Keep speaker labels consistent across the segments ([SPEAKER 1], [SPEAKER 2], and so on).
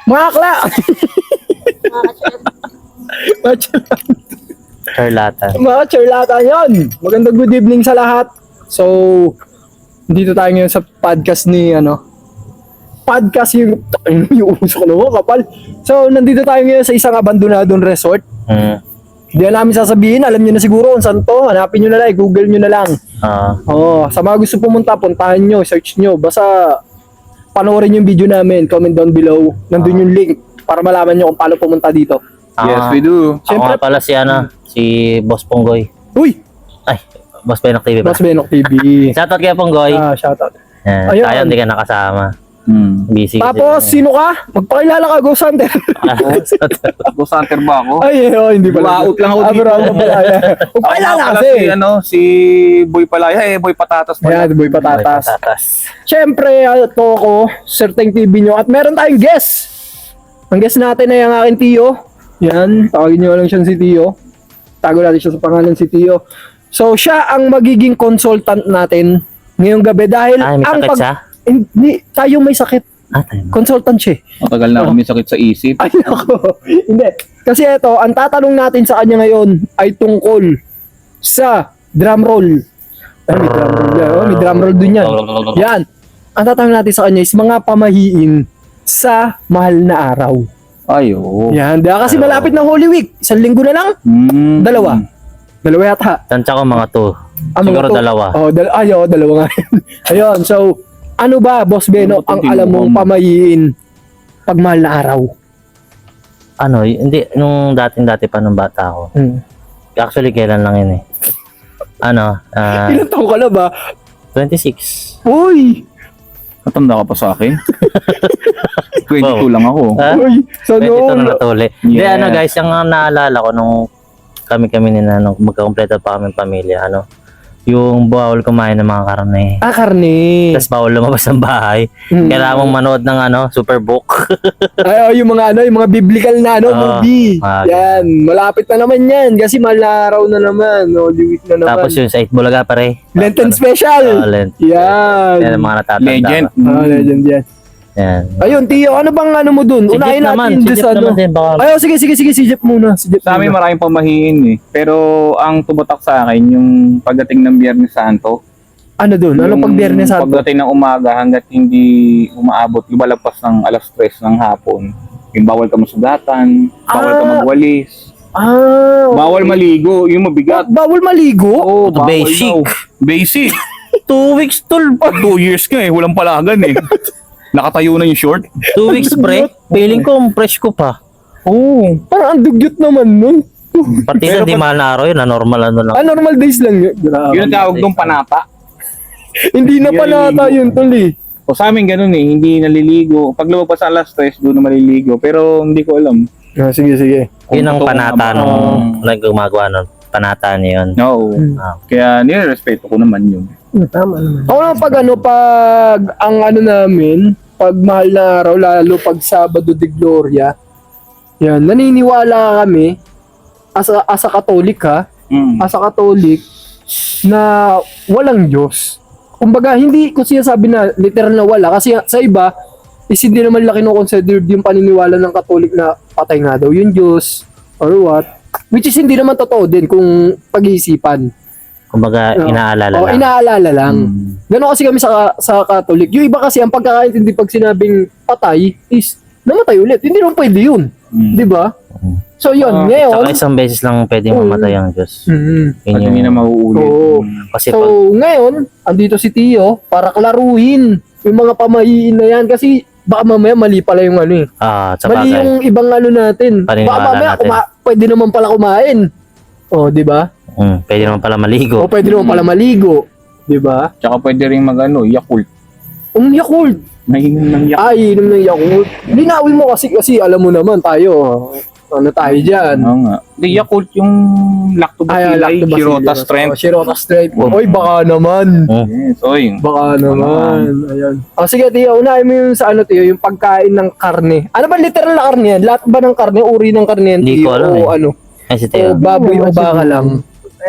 [SPEAKER 1] Mga akla! Mga
[SPEAKER 2] Charlatan.
[SPEAKER 1] Mga charlatan yun. Magandang good evening sa lahat. So, dito tayo ngayon sa podcast ni, podcast yung uso ko naman, kapal. So, nandito tayo ngayon sa isang abandonadong resort. Hindi na namin sasabihin, alam nyo na siguro kung saan to. Hanapin nyo na lang, google nyo na lang. Sa mga gusto pumunta, puntahan nyo, search nyo. Basta, panoorin yung video namin, comment down below. Nandun yung link para malaman nyo kung paano pumunta dito.
[SPEAKER 3] Yes, we do.
[SPEAKER 2] Ako nga pala si Boss Ponggoy.
[SPEAKER 1] Uy!
[SPEAKER 2] Ay, Boss Benok TV ba?
[SPEAKER 1] Boss Benok TV.
[SPEAKER 2] Shoutout kay Ponggoy.
[SPEAKER 1] Shoutout.
[SPEAKER 2] Ayun. Tayo, hindi ka nakasama. Busy.
[SPEAKER 1] Tapos, sino ka? Magpakilala ka, Ghost Hunter.
[SPEAKER 3] Ghost hunter ba ako?
[SPEAKER 1] Ay, hindi pala.
[SPEAKER 3] Out lang ako dito.
[SPEAKER 1] Magpakilala
[SPEAKER 3] Ako
[SPEAKER 1] kasi.
[SPEAKER 3] si Boy Palaya, Boy Patatas pala.
[SPEAKER 1] Ayan, Boy Patatas. Siyempre, ito ako, Certain TV nyo. At meron tayong guest. Ang guest natin ay ang aking Tio. Yan, tawagin nyo lang siya si Tio. Tago natin siya sa pangalan si Tio. So, siya ang magiging consultant natin ngayong gabi dahil
[SPEAKER 2] May sakit siya?
[SPEAKER 1] Hindi, tayo may sakit.
[SPEAKER 2] Tayo.
[SPEAKER 1] Consultant siya.
[SPEAKER 3] Matagal na ako may sakit sa isip.
[SPEAKER 1] Ay, ako. Hindi. Kasi ito, ang tatanong natin sa kanya ngayon ay tungkol sa drum roll. Ay, may drum roll yan. May drum roll dun yan. Yan. Ang tatanong natin sa kanya is mga pamahiin sa mahal na araw.
[SPEAKER 3] Ayo.
[SPEAKER 1] Yan. Dahil kasi malapit ng Holy Week. 1 linggo na lang. Dalawa yata.
[SPEAKER 2] Tansya ko mga 2. Siguro dalawa.
[SPEAKER 1] Dalawa nga. Ayun. So, ano ba, Boss Beno, ang alam mong pamahiin pag mahal na araw?
[SPEAKER 2] Hindi, nung dati pa nung bata ako. Actually, kailan lang yun eh.
[SPEAKER 1] Ilan taon ka na ba?
[SPEAKER 2] 26.
[SPEAKER 1] Uy!
[SPEAKER 3] Matanda ka pa sa akin. 22 lang ako.
[SPEAKER 1] Uy! So,
[SPEAKER 2] 22 na natuli. Hindi,
[SPEAKER 3] Yeah.
[SPEAKER 2] guys, yung naalala ko nung kami ni Nanong, magkakompleto pa kami pamilya, yung bawal kumain ng mga karne.
[SPEAKER 1] Karne.
[SPEAKER 2] Tapos bawal lumabas ng bahay. Kailangan mong manood ng Superbook.
[SPEAKER 1] Yung mga biblical na movie. Yan, malapit na naman yan kasi mahal na araw na naman, Holy Week na naman.
[SPEAKER 2] Tapos yung sa Itbulaga pare.
[SPEAKER 1] Lenten special.
[SPEAKER 2] Lent.
[SPEAKER 1] Yan.
[SPEAKER 2] Yan ang mga natatanda.
[SPEAKER 3] Legend.
[SPEAKER 1] Legend yan.
[SPEAKER 2] Yan.
[SPEAKER 1] Ayun, Tio, ano bang mo dun?
[SPEAKER 2] Si
[SPEAKER 1] Unahin
[SPEAKER 2] Jeep naman.
[SPEAKER 1] natin
[SPEAKER 2] Si
[SPEAKER 1] dun
[SPEAKER 2] Jeep
[SPEAKER 1] sa
[SPEAKER 2] naman din. Baka...
[SPEAKER 1] sige, si Jeep muna.
[SPEAKER 3] Sa amin maraming pamahiin eh. Pero ang tumatak sa akin yung pagdating ng Biyernes Santo.
[SPEAKER 1] Ano dun? Ano pag Biyernes Santo?
[SPEAKER 3] Pagdating ng umaga hanggat hindi umaabot, lumalagpas ng alas 3 ng hapon. Yung bawal ka masugatan, bawal ka magwalis. Bawal maligo, yung mabigat.
[SPEAKER 1] Bawal maligo?
[SPEAKER 3] Oo,
[SPEAKER 2] Ito
[SPEAKER 3] bawal
[SPEAKER 2] basic.
[SPEAKER 3] daw. Basic.
[SPEAKER 2] 2 weeks tol.
[SPEAKER 3] 2 years ka eh, walang palagan eh. Nakatayo na yung short.
[SPEAKER 2] 2 weeks pre. Feeling ko, fresh ko pa.
[SPEAKER 1] Parang ang dugyot naman nun.
[SPEAKER 2] Partida di mahal na araw yun. Normal lang.
[SPEAKER 1] Normal days lang yun.
[SPEAKER 3] Yun ang tawag doon panata.
[SPEAKER 1] Hindi na panata yun, tol eh.
[SPEAKER 3] O sa amin ganun eh, hindi naliligo. Pag lumabas sa alas 3, doon na maliligo. Pero hindi ko alam.
[SPEAKER 1] Sige.
[SPEAKER 2] Yun ang
[SPEAKER 3] Kung
[SPEAKER 2] panata
[SPEAKER 3] totoo
[SPEAKER 2] nung gumagawa nun. Panata niya yun.
[SPEAKER 3] No. Kaya nire-respeto ko naman yun.
[SPEAKER 1] Tama naman. Ako naman pag ang namin, pag mahal na araw, lalo pag Sabado de Gloria, yan, naniniwala kami, as a Catholic as a Catholic, na walang Diyos. Kumbaga, hindi ko sinasabi na literal na wala, kasi sa iba, is hindi naman laki no-consider yung paniniwala ng Catholic na patay nga daw yung Diyos, or what. Which is hindi naman totoo din kung pag-iisipan.
[SPEAKER 2] Kumbaga, inaalala lang.
[SPEAKER 1] Inaalala lang. Gano'n kasi kami sa Catholic. Yung iba kasi, ang pagkakaintindi pag sinabing patay is namatay ulit. Hindi naman pwede yun. Di ba? So yun, ngayon.
[SPEAKER 2] Saka isang beses lang pwede mamatay ang Diyos.
[SPEAKER 3] At hindi na mauulit.
[SPEAKER 2] Kasi
[SPEAKER 1] So ngayon, andito si Tio para klaruhin yung mga pamahiin na yan. Kasi baka mamaya mali pala yung
[SPEAKER 2] sa
[SPEAKER 1] mali
[SPEAKER 2] bagay.
[SPEAKER 1] yung ibang natin. Baka
[SPEAKER 2] Paniniwala
[SPEAKER 1] mamaya
[SPEAKER 2] natin.
[SPEAKER 1] pwede naman pala kumain. Di ba?
[SPEAKER 2] Pwede naman pala maligo.
[SPEAKER 1] O pwede naman pala maligo. Di ba?
[SPEAKER 3] Tsaka pwede rin Yakult.
[SPEAKER 1] Yakult.
[SPEAKER 3] Nahinom ng Yakult.
[SPEAKER 1] Inom ng Yakult. Linawin mo kasi alam mo naman tayo. Tayo dyan.
[SPEAKER 3] Oo nga. Di Yakult yung lactobacilli, Shirota strength.
[SPEAKER 1] Shirota strength. Oy, baka naman.
[SPEAKER 3] Yes, oy.
[SPEAKER 1] Baka naman. Ayan. Sige, Tio. Unahin mo yung sa Tio, yung pagkain ng karne. Ano ba literal na karne yan? Lahat ba ng karne? Uri ng karne yan,
[SPEAKER 2] Hindi
[SPEAKER 1] Tio?
[SPEAKER 2] ko alam
[SPEAKER 1] O
[SPEAKER 2] Ay, si
[SPEAKER 1] o
[SPEAKER 2] Teo.
[SPEAKER 1] baboy o baka lang?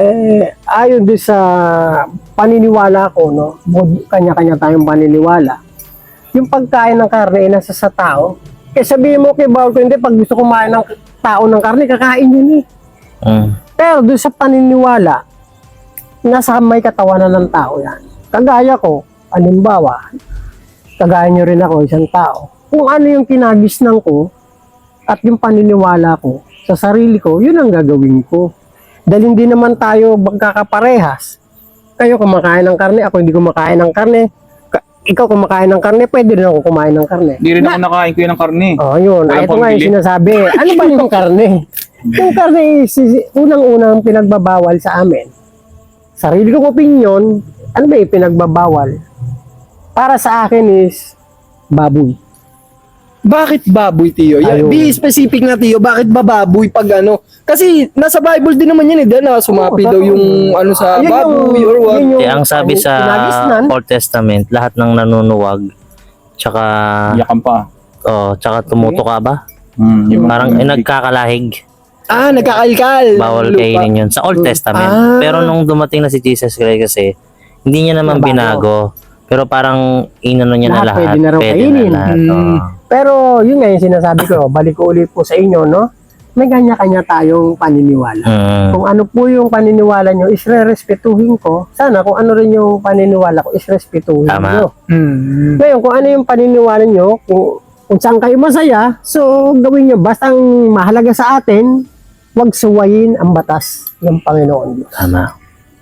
[SPEAKER 4] Ayon din sa paniniwala ko, no? Kanya-kanya tayong paniniwala. Yung pagkain ng karne ay nasa sa tao Kaya sabihin mo kay bawal ko, hindi, pag gusto kumain ng tao ng karne, kakain yun eh. Pero doon sa paniniwala, nasa may katawanan ng tao yan. Kagaya ko, halimbawa, kagaya nyo rin ako, isang tao. Kung ano yung kinagisnan ko at yung paniniwala ko sa sarili ko, yun ang gagawin ko. Dahil hindi naman tayo magkakaparehas. Kayo kumakain ng karne, ako hindi kumakain ng karne. Ikaw kumakain ng karne, pwede rin ako kumain ng karne.
[SPEAKER 3] Hindi rin ako nakain ko yun ng karne.
[SPEAKER 4] Oh, yun.
[SPEAKER 3] Walang
[SPEAKER 4] Ito nga yung
[SPEAKER 3] pambili.
[SPEAKER 4] sinasabi. Ano ba yung karne? Yung karne is unang-unang pinagbabawal sa amin. Sarili kong opinion, ano ba yung pinagbabawal? Para sa akin is baboy.
[SPEAKER 1] Bakit baboy, Tiyo?
[SPEAKER 4] Ayun.
[SPEAKER 1] Be specific na, Tiyo. Bakit ba baboy pag ano? Kasi nasa Bible din naman yan eh. Dahil na sumapi
[SPEAKER 4] Oo,
[SPEAKER 1] daw
[SPEAKER 4] totoo.
[SPEAKER 1] yung ano sa
[SPEAKER 4] Yun yung-
[SPEAKER 1] baboy or what.
[SPEAKER 4] yun yung
[SPEAKER 2] Ang sabi sa
[SPEAKER 4] kinagisnan.
[SPEAKER 2] Old Testament, lahat ng nanunuwag, tsaka,
[SPEAKER 3] Iyakan pa.
[SPEAKER 2] tsaka tumuto ka ba?
[SPEAKER 3] Yung
[SPEAKER 2] Parang nagkakalahig.
[SPEAKER 1] Nagkakalkal.
[SPEAKER 2] Bawal
[SPEAKER 1] Lupa.
[SPEAKER 2] kainin yun sa Old Testament.
[SPEAKER 1] Ah.
[SPEAKER 2] Pero nung dumating na si Jesus Christ kasi, hindi niya naman
[SPEAKER 4] Nabago.
[SPEAKER 2] binago. Pero parang inano niya na
[SPEAKER 4] Lahat
[SPEAKER 2] lahat.
[SPEAKER 4] pwede na raw kainin.
[SPEAKER 2] lahat.
[SPEAKER 1] Hmm.
[SPEAKER 4] Pero yun nga yung sinasabi ko, balik ko ulit po sa inyo, no? May kanya-kanya tayong paniniwala. Kung ano po yung paniniwala nyo, isre-respetuhin ko. Sana kung ano rin yung paniniwala ko, isrespetuhin
[SPEAKER 2] Tama.
[SPEAKER 4] nyo.
[SPEAKER 1] Hmm.
[SPEAKER 4] Ngayon, kung ano yung paniniwala nyo, kung saan kayo masaya, so gawin nyo. Basta ang mahalaga sa atin, huwag suwayin ang batas ng Panginoon Diyos.
[SPEAKER 2] Tama.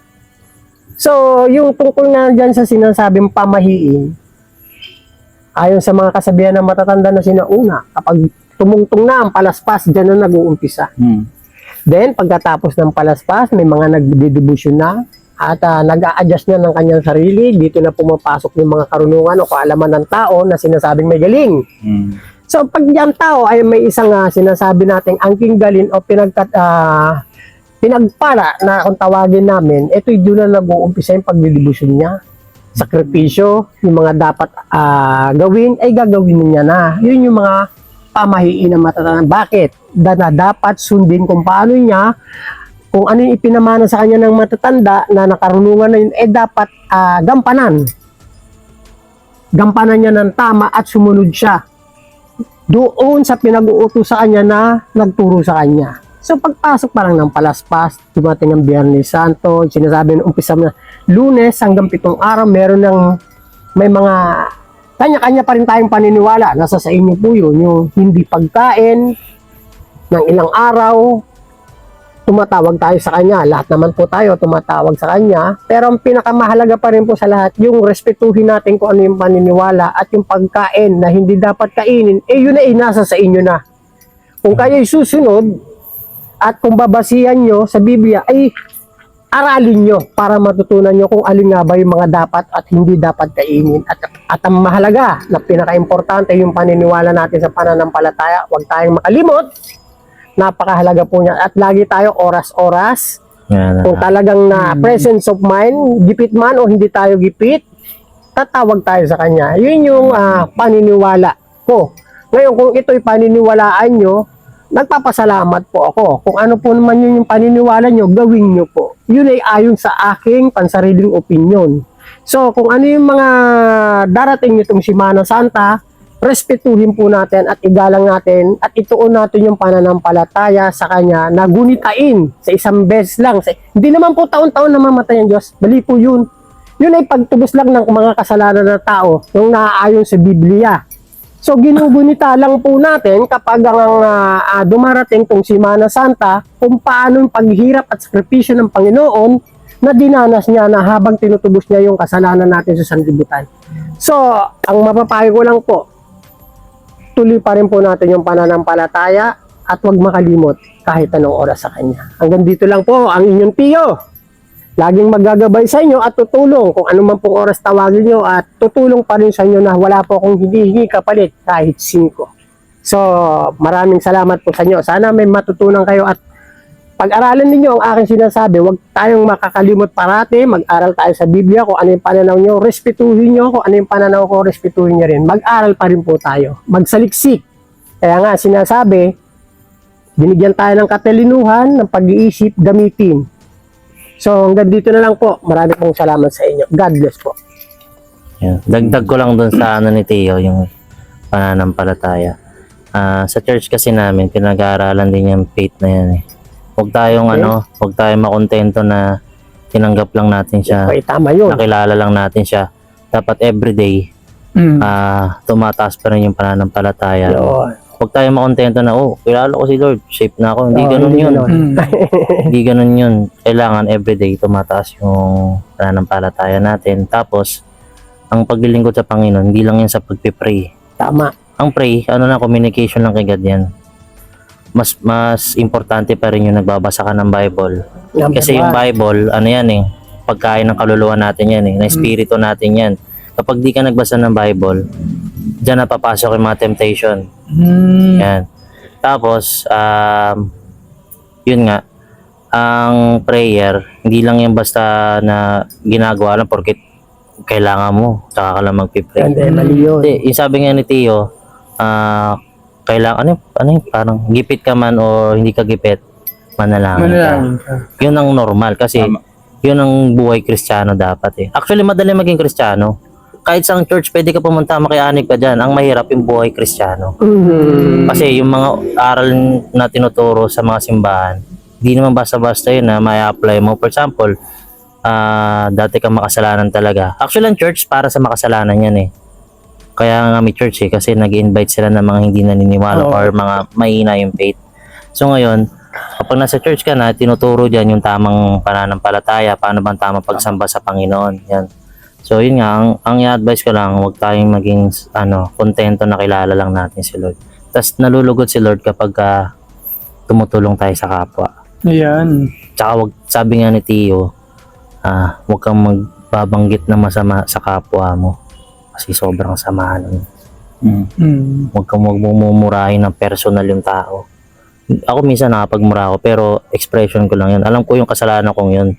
[SPEAKER 4] So, yung tungkol nga dyan sa sinasabing pamahiin, ayon sa mga kasabihan ng matatanda na sinauna, kapag tumungtong na ang palaspas, dyan na nag-uumpisa. Then, pagkatapos ng palaspas, may mga nagdidibusyon na at nag-a-adjust na ng kanyang sarili. Dito na pumapasok yung mga karunungan o kaalaman ng tao na sinasabing may galing. So, pag yung tao ay may isang sinasabi nating angking galin o pinagpala na kung tawagin namin, ito yung doon na nag-uumpisa yung pagdidibusyon niya. Sakripisyo, yung mga dapat gawin, ay gagawin niya na. Yun yung mga pamahiin na matatanda. Bakit? Na dapat sundin kung paano niya, kung ano yung ipinamana sa kanya ng matatanda na nakarunungan na yun, dapat gampanan. Gampanan niya ng tama at sumunod siya doon sa pinag-uutos sa kanya na nagturo sa kanya. So pagpasok parang ng palaspas, dumating ang Biyernes Santo, sinasabi ng umpisa na Lunes hanggang 7 araw, may mga kanya-kanya pa rin tayong paniniwala. Nasa sa inyo po yun, yung hindi pagkain ng ilang araw, tumatawag tayo sa kanya. Lahat naman po tayo tumatawag sa kanya. Pero ang pinakamahalaga pa rin po sa lahat, yung respetuhin natin kung ano yung paniniwala at yung pagkain na hindi dapat kainin, yun ay nasa sa inyo na. Kung kayo'y susunod, at kung babasihan nyo sa Biblia, ay aralin nyo para matutunan nyo kung alin nga ba yung mga dapat at hindi dapat kainin. At ang mahalaga na pinaka-importante yung paniniwala natin sa pananampalataya, huwag tayong makalimot. Napakahalaga po niya. At lagi tayo oras-oras. Kung talagang na presence of mind, gipit man o hindi tayo gipit, tatawag tayo sa kanya. Yun yung paniniwala ko. Ngayon, kung ito'y paniniwalaan nyo, nagpapasalamat po ako. Kung ano po naman yun yung paniniwala nyo, gawin nyo po. Yun ay ayon sa aking pansariling opinion. So, kung ano yung mga darating nitong Semana Santa, respetuhin po natin at igalang natin at ituon natin yung pananampalataya sa Kanya na gunitain sa isang beses lang. Hindi naman po taon-taon na mamatay ang Diyos. Bali po yun. Yun ay pagtubos lang ng mga kasalanan ng tao yung naaayon sa Biblia. So, ginugunita lang po natin kapag ang dumarating tong Semana Santa kung paano yung paghihirap at sakripisyo ng Panginoon na dinanas niya na habang tinutubos niya yung kasalanan natin sa sanlibutan. So, ang mapapayo ko lang po, tuloy pa rin po natin yung pananampalataya at huwag makalimot kahit anong oras sa Kanya. Hanggang dito lang po ang inyong tiyo. Laging maggagabay sa inyo at tutulong kung ano man pong oras tawagin nyo at tutulong pa rin sa inyo na wala po akong hinihingi kapalit kahit 5. So, maraming salamat po sa inyo. Sana may matutunan kayo at pag-aralan ninyo ang aking sinasabi. Huwag tayong makakalimot parati. Mag-aral tayo sa Biblia kung ano yung pananaw nyo. Respetuhin nyo kung ano yung pananaw ko. Respetuhin nyo rin. Mag-aral pa rin po tayo. Magsaliksik. Kaya nga sinasabi, binigyan tayo ng katalinuhan, ng pag-iisip, gamitin. So, hanggang dito na lang po. Marami pong salamat sa inyo. God bless po.
[SPEAKER 2] Yan. Dagdag ko lang dun sa ano ni Teo, yung pananampalataya. Sa church kasi namin, pinag-aaralan din yung faith na yan eh. Huwag tayong huwag tayong makontento na tinanggap lang natin siya,
[SPEAKER 4] Okay, tama yun.
[SPEAKER 2] nakilala lang natin siya. Dapat everyday, tumataas pa rin yung pananampalataya.
[SPEAKER 4] Yun.
[SPEAKER 2] Huwag tayong makontento na, kilala ko si Lord, safe na ako. Hindi
[SPEAKER 4] Oo,
[SPEAKER 2] ganun
[SPEAKER 4] hindi
[SPEAKER 2] yun.
[SPEAKER 4] ganun.
[SPEAKER 2] Hindi ganun yun. Kailangan everyday tumataas yung pananampalataya natin. Tapos, ang paglilingkod sa Panginoon, hindi lang yan sa pagpipray.
[SPEAKER 4] Tama.
[SPEAKER 2] Ang pray, communication lang kay God yan. Mas importante pa rin yung nagbabasa ka ng Bible.
[SPEAKER 4] Number
[SPEAKER 2] Kasi yung
[SPEAKER 4] one.
[SPEAKER 2] Bible, yan pagkain ng kaluluwa natin yan na espiritu natin yan. Kapag di ka nagbasa ng Bible, dyan napapasok yung mga temptation. Yan. Tapos, yun nga, ang prayer, hindi lang yan basta na ginagawa lang porket kailangan mo, tsaka ka lang magpipray.
[SPEAKER 4] Hindi, mali yun.
[SPEAKER 2] Hindi, yung sabi nga ni Tio, kailangan, parang gipit ka man o hindi ka gipit, manalangin ka. Yun ang normal kasi
[SPEAKER 3] Tama.
[SPEAKER 2] yun ang buhay Kristiyano dapat eh. Actually, madali maging Kristiyano. Kahit sa church, pwede ka pumunta, makianig ka dyan. Ang mahirap yung buhay Kristiyano. Kasi yung mga aral na tinuturo sa mga simbahan, di naman basta-basta yun na may apply mo. For example, dati kang makasalanan talaga. Actually, ang church para sa makasalanan yan eh. Kaya nga may church eh, kasi nag-invite sila ng mga hindi naniniwala or mga mahina yung faith. So ngayon, kapag nasa church ka na, tinuturo dyan yung tamang pananampalataya, paano bang tamang pagsamba sa Panginoon. Yan. So yun nga, ang i-advise ko lang, huwag tayong maging kontento na kilala lang natin si Lord. Tapos nalulugod si Lord kapag tumutulong tayo sa kapwa.
[SPEAKER 1] Ayan.
[SPEAKER 2] Tsaka sabi nga ni Tio, huwag kang magbabanggit na masama sa kapwa mo. Kasi sobrang samahan nun. Huwag kang magmumurahin ng personal yung tao. Ako minsan nakapagmura ako, pero expression ko lang yun. Alam ko yung kasalanan kong yun.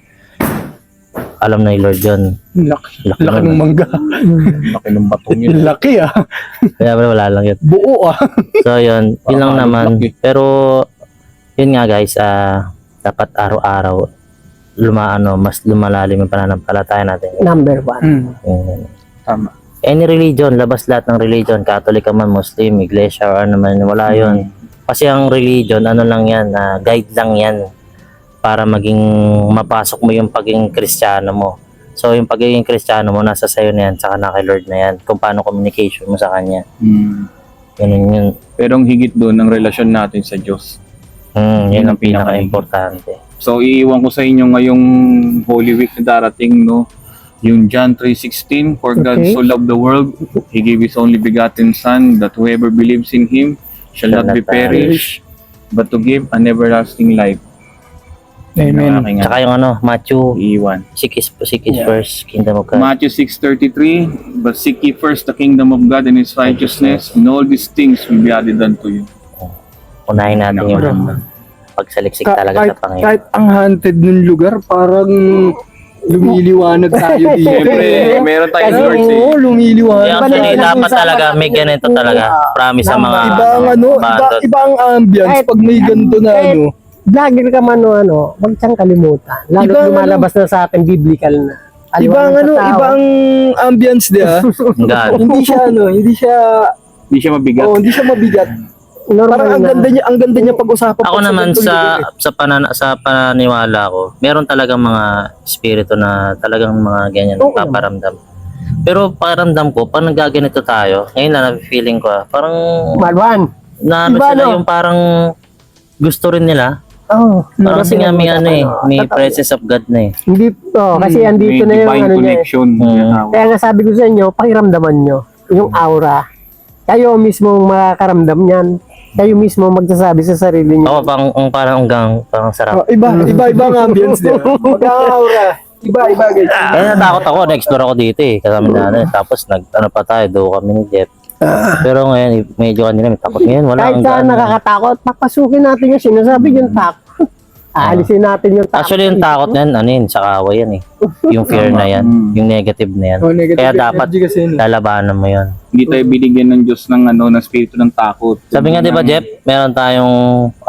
[SPEAKER 2] Alam na ni Lord yun.
[SPEAKER 1] Laki
[SPEAKER 2] nun.
[SPEAKER 1] ng mangga.
[SPEAKER 3] Laki ng batong yun.
[SPEAKER 1] Laki
[SPEAKER 2] Kaya wala lang yun.
[SPEAKER 1] Buo
[SPEAKER 2] So yun lang naman.
[SPEAKER 3] laki.
[SPEAKER 2] Pero yun nga guys, dapat araw-araw mas lumalalim yung pananampalataya natin.
[SPEAKER 4] Number one.
[SPEAKER 2] Yun.
[SPEAKER 3] Tama.
[SPEAKER 2] Any religion, labas lahat ng religion, Catholic ka man, Muslim, Iglesia, or ano man, wala yun. Kasi ang religion, lang yan, guide lang yan para maging mapasok mo yung pagiging Kristiyano mo. So yung pagiging Kristiyano mo, nasa sayo na yan, saka na kay Lord na yan, kung paano communication mo sa Kanya. Ganun yun.
[SPEAKER 3] Pero ang higit doon, ang relasyon natin sa Diyos.
[SPEAKER 2] Yun ang pinaka-importante.
[SPEAKER 3] So, iiwan ko sa inyo ngayong Holy Week na darating, no? Yung John 3:16, For God
[SPEAKER 4] Okay.
[SPEAKER 3] so loved the world, He gave His only begotten Son, that whoever believes in Him shall not be perish, but to give an everlasting life.
[SPEAKER 1] Amen.
[SPEAKER 3] Aking
[SPEAKER 2] Tsaka yung Matthew,
[SPEAKER 3] iiwan.
[SPEAKER 2] seek His first kingdom of God.
[SPEAKER 3] Matthew 6:33, But seek ye first the kingdom of God and His righteousness, and all these things will be added unto you.
[SPEAKER 2] Unahin natin yung
[SPEAKER 3] Napakaganda.
[SPEAKER 2] pagsaliksik talaga sa Panginoon.
[SPEAKER 1] Kahit ang haunted ng lugar, parang lumiliwanag tayo dito.
[SPEAKER 3] Siyempre, meron tayong source eh.
[SPEAKER 1] Oo, lumiliwanag.
[SPEAKER 2] Kaya actually, dapat talaga may ganito talaga. Promise sa mga
[SPEAKER 1] Iba ang
[SPEAKER 2] abandoned.
[SPEAKER 1] iba ang ambience
[SPEAKER 4] Kahit-
[SPEAKER 1] pag may ganito na
[SPEAKER 4] kahit- Vlogger ka man huwag siyang kalimutan. Lalo
[SPEAKER 1] Iba ang
[SPEAKER 4] lumalabas na sa atin, biblical na.
[SPEAKER 1] iba ang
[SPEAKER 4] Aliwanag sa tao.
[SPEAKER 1] iba ang ambience dia.
[SPEAKER 2] God.
[SPEAKER 1] hindi
[SPEAKER 3] Hindi siya mabigat.
[SPEAKER 1] hindi siya mabigat.
[SPEAKER 4] Normal
[SPEAKER 1] Parang
[SPEAKER 4] na.
[SPEAKER 1] ang ganda niya pag-usapan.
[SPEAKER 2] Ako naman sa pananiwala ko, meron talagang mga espiritu na talagang mga ganyan
[SPEAKER 4] Oo
[SPEAKER 2] paparamdam. Pero paramdam ko, pag nagaganito tayo, ngayon na feeling ko, parang
[SPEAKER 4] Malwan. Iba,
[SPEAKER 2] sila
[SPEAKER 4] no?
[SPEAKER 2] yung parang gusto rin nila.
[SPEAKER 4] Oh,
[SPEAKER 2] Parang kasi nga may may presence of God na eh.
[SPEAKER 4] Hindi, kasi andito
[SPEAKER 3] May
[SPEAKER 4] na yung
[SPEAKER 3] divine
[SPEAKER 4] niya.
[SPEAKER 3] connection.
[SPEAKER 4] Kaya nga sabi ko sa inyo, pakiramdaman nyo, yung aura. Kayo mismo makakaramdam niyan. Kayo mismo magsasabi sa sarili niyo.
[SPEAKER 2] Ako parang sarap.
[SPEAKER 1] Iba ang ambience dia. Mag-aura. Iba guys.
[SPEAKER 2] Kaya natakot ako, na-explore ako dito eh. Kasama natin. Tapos pa tayo, doon kami ni Jeff. Pero ngayon, medyo kanila may takot ngayon. Wala
[SPEAKER 4] Kahit
[SPEAKER 2] ang
[SPEAKER 4] saan nakakatakot, papasukin natin yung sinasabi yung takot. Aalisin natin yung takot.
[SPEAKER 2] Actually, yung takot na yan, sa kawa yan eh. Yung fear na yan, yung negative na yan. Kaya dapat lalabanan mo yan.
[SPEAKER 3] Hindi tayo binigyan ng Diyos ng ng spirito ng takot.
[SPEAKER 2] Sabi nga, di ba, Jeff, meron tayong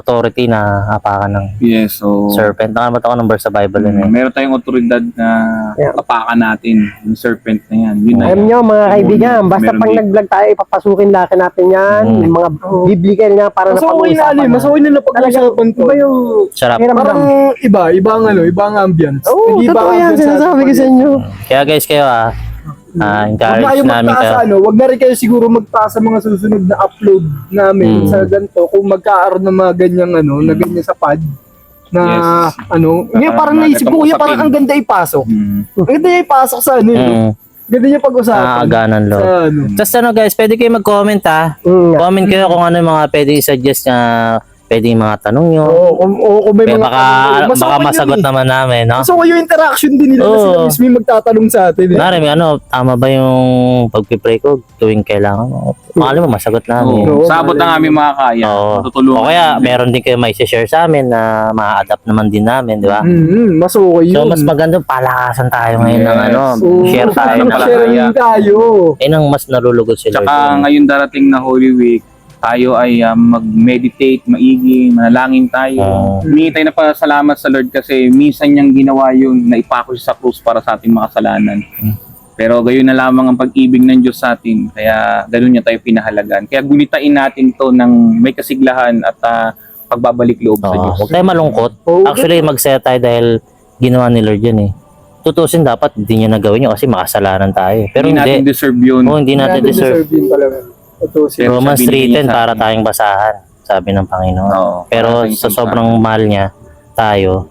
[SPEAKER 2] authority na apakan ng
[SPEAKER 3] Yes, so
[SPEAKER 2] serpent. Nakalimutan ko number sa Bible yun eh.
[SPEAKER 3] meron tayong otoridad na
[SPEAKER 4] Yeah.
[SPEAKER 3] tapakan natin yung serpent na yan. Yun na
[SPEAKER 4] Alam
[SPEAKER 3] yan.
[SPEAKER 4] nyo mga kaibigan, basta
[SPEAKER 3] Meron
[SPEAKER 4] pag
[SPEAKER 3] din.
[SPEAKER 4] nag-vlog tayo, ipapasukin laki natin yan. Yung mga biblical nga para
[SPEAKER 1] Mas okay na ano, mas okay na napag-usapan ko.
[SPEAKER 4] Iba yung
[SPEAKER 2] Sarap.
[SPEAKER 1] Parang iba ang ambience.
[SPEAKER 4] Oo,
[SPEAKER 1] Hindi
[SPEAKER 4] totoo yan,
[SPEAKER 1] ambience
[SPEAKER 4] sinasabi ko sa
[SPEAKER 1] atin.
[SPEAKER 4] inyo.
[SPEAKER 2] Kaya guys kayo
[SPEAKER 1] Huwag na
[SPEAKER 2] encourage
[SPEAKER 1] kayo
[SPEAKER 2] namin
[SPEAKER 1] magtaas
[SPEAKER 2] kayo.
[SPEAKER 1] ano, wag na rin kayo siguro magtaas sa mga susunod na upload namin sa ganito kung magkaaroon ng mga ganyang ano, na ganyan sa pad na
[SPEAKER 3] Yes.
[SPEAKER 1] ano, ngayon parang
[SPEAKER 3] mga
[SPEAKER 1] naisip ko
[SPEAKER 3] ganitong
[SPEAKER 1] kuya parang
[SPEAKER 3] usapin.
[SPEAKER 1] ang ganda ipasok.
[SPEAKER 3] Mm.
[SPEAKER 1] Ang ganda ipasok sa ano, ganda niya pag-usapan.
[SPEAKER 2] Nakakaganan
[SPEAKER 1] Sa
[SPEAKER 2] loob.
[SPEAKER 1] ano.
[SPEAKER 2] Tapos ano guys, pwede kayo mag-comment Comment kayo kung ano yung mga pwede i-suggest na pwede yung mga tanong nyo.
[SPEAKER 1] Kung may
[SPEAKER 2] Kaya
[SPEAKER 1] mga
[SPEAKER 2] baka
[SPEAKER 1] okay
[SPEAKER 2] masagot
[SPEAKER 1] yun eh.
[SPEAKER 2] naman namin, no?
[SPEAKER 1] So yung interaction din nila na
[SPEAKER 2] Oo.
[SPEAKER 1] sila mismo yung magtatanong sa atin. Eh.
[SPEAKER 2] Nari, ano, tama ba yung pag-pray ko tuwing kailangan? Makali mo, masagot namin.
[SPEAKER 1] Oo,
[SPEAKER 3] Oo. Sabot ang aming mga kaya.
[SPEAKER 2] Oo.
[SPEAKER 3] Matutulungan.
[SPEAKER 2] O kaya,
[SPEAKER 3] namin.
[SPEAKER 2] meron din kayo may share sa amin na ma-adapt naman din namin, di ba?
[SPEAKER 1] Mas okay yun.
[SPEAKER 2] So, mas maganda, palakasan tayo ngayon ng
[SPEAKER 3] Yes.
[SPEAKER 2] ano,
[SPEAKER 1] Oo,
[SPEAKER 2] share tayo ng
[SPEAKER 1] share
[SPEAKER 3] kaya.
[SPEAKER 1] tayo.
[SPEAKER 2] Nang mas nalulugod sila.
[SPEAKER 3] Tsaka ngayon darating na Holy Week, tayo ay mag-meditate, maigi, manalangin tayo. Humingi tayo na pasalamat sa Lord kasi minsan niyang ginawa yun na ipako siya sa krus para sa ating makasalanan. Pero gayon na lamang ang pag-ibig ng Diyos sa atin. Kaya ganoon niya tayo pinahalagan. Kaya gunitain natin to ng may kasiglahan at pagbabalik loob sa Diyos.
[SPEAKER 2] Huwag tayo malungkot.
[SPEAKER 1] Oo.
[SPEAKER 2] Actually, magsaya tayo dahil ginawa ni Lord yun eh. Tutusin dapat, hindi niya nagawin yun kasi makasalanan tayo. Pero
[SPEAKER 3] Hindi natin
[SPEAKER 2] hindi.
[SPEAKER 3] deserve yun.
[SPEAKER 2] Oo, hindi natin deserve.
[SPEAKER 1] yun talaga. Ito si
[SPEAKER 3] Pero
[SPEAKER 2] Romans
[SPEAKER 3] sabi niya
[SPEAKER 2] 3:10
[SPEAKER 3] sa
[SPEAKER 2] para
[SPEAKER 3] atin.
[SPEAKER 2] tayong basahan, sabi ng Panginoon.
[SPEAKER 3] Oo,
[SPEAKER 2] Pero
[SPEAKER 3] para tayong
[SPEAKER 2] sa sobrang mahal niya, tayo,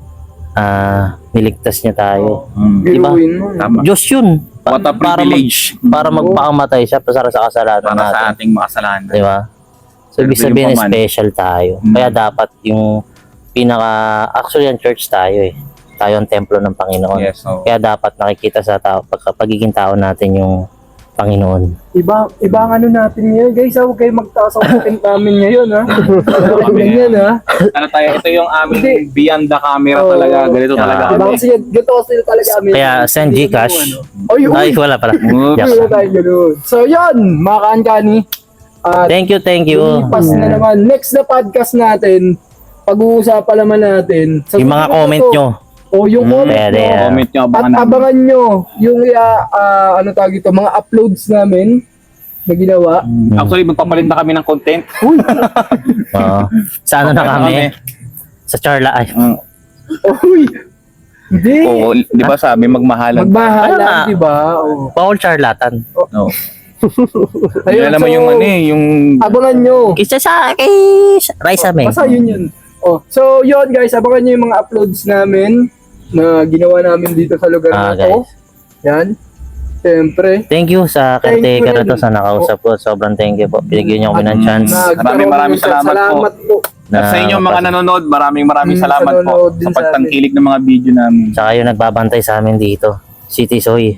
[SPEAKER 2] niligtas niya tayo. Diba?
[SPEAKER 1] biruin mo.
[SPEAKER 3] Tama.
[SPEAKER 2] Diyos yun.
[SPEAKER 3] What a privilege.
[SPEAKER 2] Para magpakamatay siya para sa kasalanan
[SPEAKER 3] Para
[SPEAKER 2] natin.
[SPEAKER 3] sa ating makasalanan.
[SPEAKER 2] Di ba? So, ibig
[SPEAKER 3] Pero
[SPEAKER 2] sabihin,
[SPEAKER 3] yung paman.
[SPEAKER 2] special tayo. Kaya dapat yung actually, ang church tayo eh. Tayo ang templo ng Panginoon.
[SPEAKER 3] Yes, so,
[SPEAKER 2] Kaya dapat nakikita sa tao, pagiging tao natin yung Panginoon.
[SPEAKER 1] Iba ang ano natin ngayon. Guys, huwag kayo magtaas ang content namin ngayon, ha? Ganyan, ha?
[SPEAKER 3] ano tayo, ito yung aming beyond the camera
[SPEAKER 1] Oo.
[SPEAKER 3] talaga. Ganito talaga.
[SPEAKER 1] Diba kasi ganito kasi talaga kami.
[SPEAKER 2] Kaya send Gcash.
[SPEAKER 1] Ay,
[SPEAKER 2] Ay, wala pala.
[SPEAKER 3] Oops.
[SPEAKER 2] Yes.
[SPEAKER 1] Wala tayo ganun. So, yun, mga kaankani.
[SPEAKER 2] Thank you.
[SPEAKER 1] Lumipas na naman. Next na podcast natin, pag-uusapan naman natin. sa
[SPEAKER 2] Yung mga
[SPEAKER 1] susunod
[SPEAKER 2] comment
[SPEAKER 1] na to.
[SPEAKER 2] nyo.
[SPEAKER 1] O yung comment
[SPEAKER 2] Pwede,
[SPEAKER 1] nyo.
[SPEAKER 3] Comment nyo,
[SPEAKER 1] At
[SPEAKER 3] abangan namin.
[SPEAKER 1] abangan nyo yung ano tawag ito, mga uploads namin na ginawa.
[SPEAKER 3] Actually, magpapalit na kami ng content.
[SPEAKER 2] Oo. Sa ano na kami? Sa Charla. Ay,
[SPEAKER 1] Uy! Hindi!
[SPEAKER 3] Oo, di ba sabi, magmahalan.
[SPEAKER 1] Magmahalan,
[SPEAKER 2] Ano na?
[SPEAKER 1] di ba? Oo.
[SPEAKER 2] Paul Charlatan.
[SPEAKER 3] No.
[SPEAKER 1] Ayun,
[SPEAKER 3] Alam mo
[SPEAKER 1] so,
[SPEAKER 3] yung ano eh, yung...
[SPEAKER 1] Abangan nyo.
[SPEAKER 2] Kisa sa kay Raisa May.
[SPEAKER 1] Basta yun. Oh, so yun guys, abangan nyo yung mga uploads namin na ginawa namin dito sa lugar na to.
[SPEAKER 2] guys.
[SPEAKER 1] Yan. Siyempre.
[SPEAKER 2] Thank you sa
[SPEAKER 1] Thank you
[SPEAKER 2] caretaker na to
[SPEAKER 1] rin.
[SPEAKER 2] sa nakausap ko. Sobrang thank you po. Binigyan niyo kami ng chance.
[SPEAKER 3] Maraming salamat po. At sa inyo mga nanonood, maraming salamat po
[SPEAKER 1] nanonood din
[SPEAKER 3] sa
[SPEAKER 1] sa
[SPEAKER 3] pagtangkilik ng mga video namin.
[SPEAKER 2] Tsaka yung nagbabantay sa amin dito. City Soy.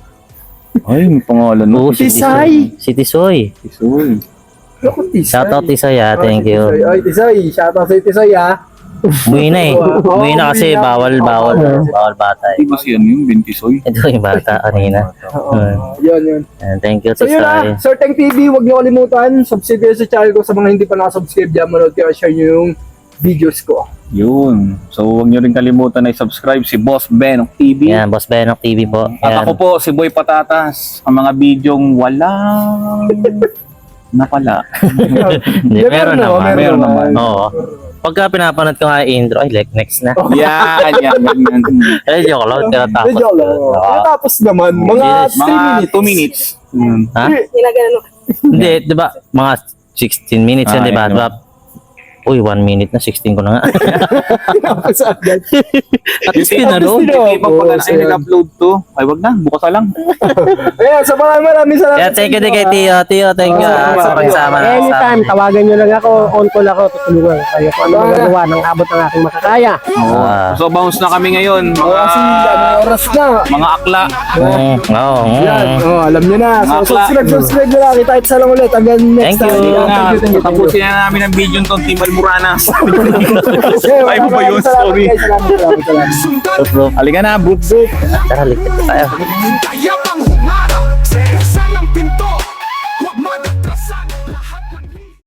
[SPEAKER 3] Ay, may pangalan mo.
[SPEAKER 2] Oo,
[SPEAKER 1] City Soy.
[SPEAKER 2] City Soy.
[SPEAKER 3] Isul.
[SPEAKER 2] Shoutout Tisoy thank you.
[SPEAKER 1] Ay, Tisoy. Shoutout sa Tisoy, ha.
[SPEAKER 2] Umuwi na eh.
[SPEAKER 1] Oo,
[SPEAKER 2] Umuwi na kasi
[SPEAKER 1] umuwi na.
[SPEAKER 2] bawal bata
[SPEAKER 3] Di
[SPEAKER 2] eh.
[SPEAKER 3] ba siya yung Bintisoy?
[SPEAKER 2] Ito yung bata kanina.
[SPEAKER 1] Oo. Yun.
[SPEAKER 2] And thank you
[SPEAKER 1] So yun
[SPEAKER 2] Tisoy.
[SPEAKER 1] na, Sir Teng TV, huwag niyo kalimutan, subscribe kayo sa channel ko sa mga hindi pa nakasubscribe dyan, manood kayo, share niyo yung videos ko.
[SPEAKER 3] Yun. So, huwag nyo rin kalimutan na i-subscribe si Boss Ben ng TV.
[SPEAKER 2] Yan, Boss Benok TV po.
[SPEAKER 3] At
[SPEAKER 2] Yan.
[SPEAKER 3] ako po, si Boy Patatas. Ang mga bidyong walang napala.
[SPEAKER 2] Hindi, meron naman.
[SPEAKER 3] Meron naman.
[SPEAKER 2] Oo. Pagka pinapanood ko nga yung intro, ay like next na.
[SPEAKER 3] Yan, ganyan.
[SPEAKER 2] Eh, joke lang, tinatapos.
[SPEAKER 1] Medyo lang. Tapos naman, mga 3
[SPEAKER 3] Mga
[SPEAKER 1] minutes.
[SPEAKER 3] 2 minutes.
[SPEAKER 2] Ha? Hindi, di ba? Mga 16 minutes yan,
[SPEAKER 3] Ah,
[SPEAKER 2] di ba?
[SPEAKER 3] yun.
[SPEAKER 2] Diba? Uy, 1 minute na, 16 ko na nga.
[SPEAKER 1] Tapos agad.
[SPEAKER 2] At least
[SPEAKER 3] Yung
[SPEAKER 2] tinanong.
[SPEAKER 3] Hindi pa pala
[SPEAKER 1] Oo,
[SPEAKER 3] na nag-upload to. Ay, wag na. Bukas na lang.
[SPEAKER 1] Ayan, so maraming salamat.
[SPEAKER 2] Yeah, thank you din kay Tio. Tio, thank you.
[SPEAKER 1] Oo,
[SPEAKER 2] Pagsama na
[SPEAKER 4] Anytime, tawagan nyo lang ako, on call ako, tutulungan kayo kung ano magagawa ng abot ng aking makakaya.
[SPEAKER 3] So, bounce na kami ngayon.
[SPEAKER 1] Oo, kasi ano, oras na.
[SPEAKER 3] Mga akla.
[SPEAKER 2] Oo.
[SPEAKER 1] Yan, alam nyo na. So,
[SPEAKER 3] Mga
[SPEAKER 1] subscribe na lang. Kita sa lang ulit. Hanggang next
[SPEAKER 2] Thank you.
[SPEAKER 1] time.
[SPEAKER 3] Thank you. Tapusin na namin ang video nito, Timbal Muranas. Ay, mo ba yun? Sorry.
[SPEAKER 1] Salamat.
[SPEAKER 2] Bro,
[SPEAKER 3] Halika na, boop boop.
[SPEAKER 2] tara, ligtas tayo.
[SPEAKER 5] Kaya